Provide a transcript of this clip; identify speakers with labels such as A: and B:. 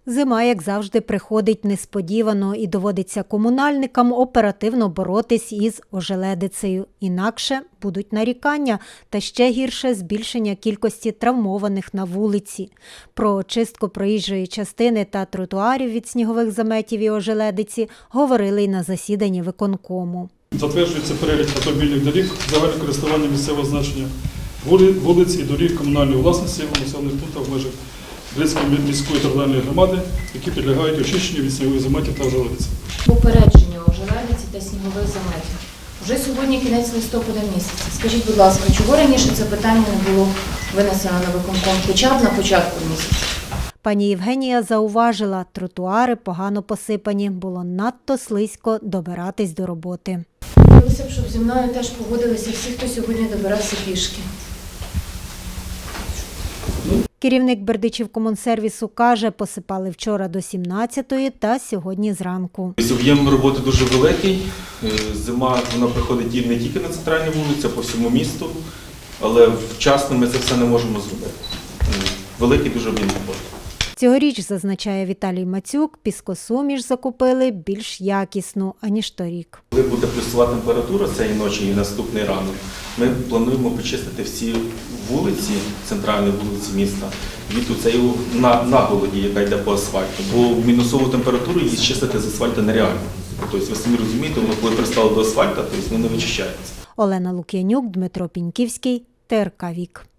A: Зима, як завжди, приходить несподівано і доводиться комунальникам оперативно боротись із ожеледицею. Інакше будуть нарікання та ще гірше збільшення кількості травмованих на вулиці. Про очистку проїжджої частини та тротуарів від снігових заметів і ожеледиці говорили й на засіданні виконкому.
B: Затверджується перелік автомобільних доріг загального користування місцевого значення вулиць і доріг комунальної власності у населених пунктах в межах Брестської міської територіальної громади, які підлягають очищенню від снігових заметів та ожеледиці.
C: Попередження ожеледиці та снігових заметів. Вже сьогодні кінець листопада місяця. Скажіть, будь ласка, чого раніше це питання не було винесено на виконком, хоча б на початку місяця?
A: Пані Євгенія зауважила, тротуари погано посипані, було надто слизько добиратись до роботи.
C: Хотілося б, щоб зі мною теж погодилися всі, хто сьогодні добирався пішки.
A: Керівник Бердичівкомунсервісу каже, посипали вчора до 17-ї та сьогодні зранку.
D: Об'єм роботи дуже великий. Зима вона приходить не тільки на центральній вулиці, а по всьому місту, але вчасно ми це все не можемо зробити. Великий дуже об'єм роботи.
A: Цьогоріч, зазначає Віталій Мацюк, піскосуміш закупили більш якісну, аніж торік.
D: Коли буде плюсова температура цієї ночі і наступний ранок, ми плануємо почистити всі вулиці, центральні вулиці міста, від цієї наголоді, яка йде по асфальту. Бо в мінусову температуру її чистити з асфальту нереально. Тобто, ви самі розумієте, воно коли пристало до асфальту, то воно не вичищається.
A: Олена Лук'янюк, Дмитро Піньківський, ТРК Вік.